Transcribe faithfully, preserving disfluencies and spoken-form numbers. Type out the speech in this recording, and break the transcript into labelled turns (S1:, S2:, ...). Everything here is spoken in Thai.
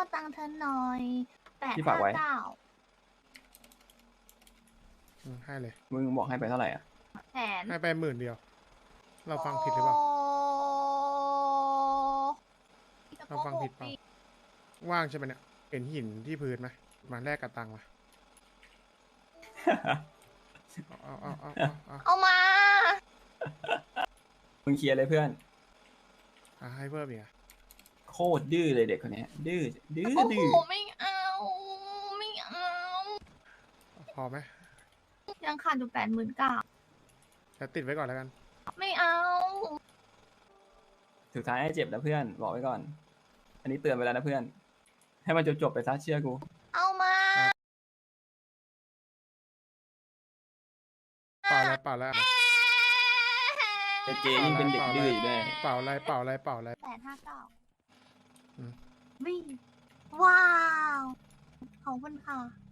S1: ตังค์เธอหน่อยแปด
S2: ที่ฝา
S1: ห้าก
S2: ไว้
S1: เก้า
S3: อืมให้เลย
S2: มึงบอกให้ไปเท่าไหร่อ่ะ
S1: แสน
S3: ให้ไปหมื่นเดียว เราฟังผิดหรือเปล่า เราฟังผิดเปล่า ว่างใช่ไหมเนี่ย เห็นหินที่พื้นไหมมาแลกกับตังค์มาเอาเอาเอาเอาเอา
S1: เอามา
S2: มึงเคลียร์เลยเพื่อน
S3: เอาให้เพิ่มอีกอะ
S2: โคตรดื้อเลยเด็กคนเนี้ยดื้อดื้อ
S1: โอ้
S2: ดื้อ
S1: โหไม่เอาไม่เอา
S3: พอไหม
S1: ยังขาดอยู่แปดหมื่นเก้า
S3: แต่ติดไว้ก่อนแล้วกัน
S1: ไม่เอา
S2: สุดท้ายให้เจ็บนะเพื่อนบอกไว้ก่อน อันนี้เตือนไปแล้วนะเพื่อน ให้มันจบจบๆไปซะเชื่อกู
S1: เอามา
S3: เปล่าอะไรเปล่าอะไร
S2: แต่เจยิ่งเป็นเด็กดื้ออยู่ด้วย
S3: เปล่าอะไรเปล่าอะไรเปล่าอะไร
S1: แปดห้าเก้า
S3: อืม
S1: วิ่งว้าวขอบคุณค่ะ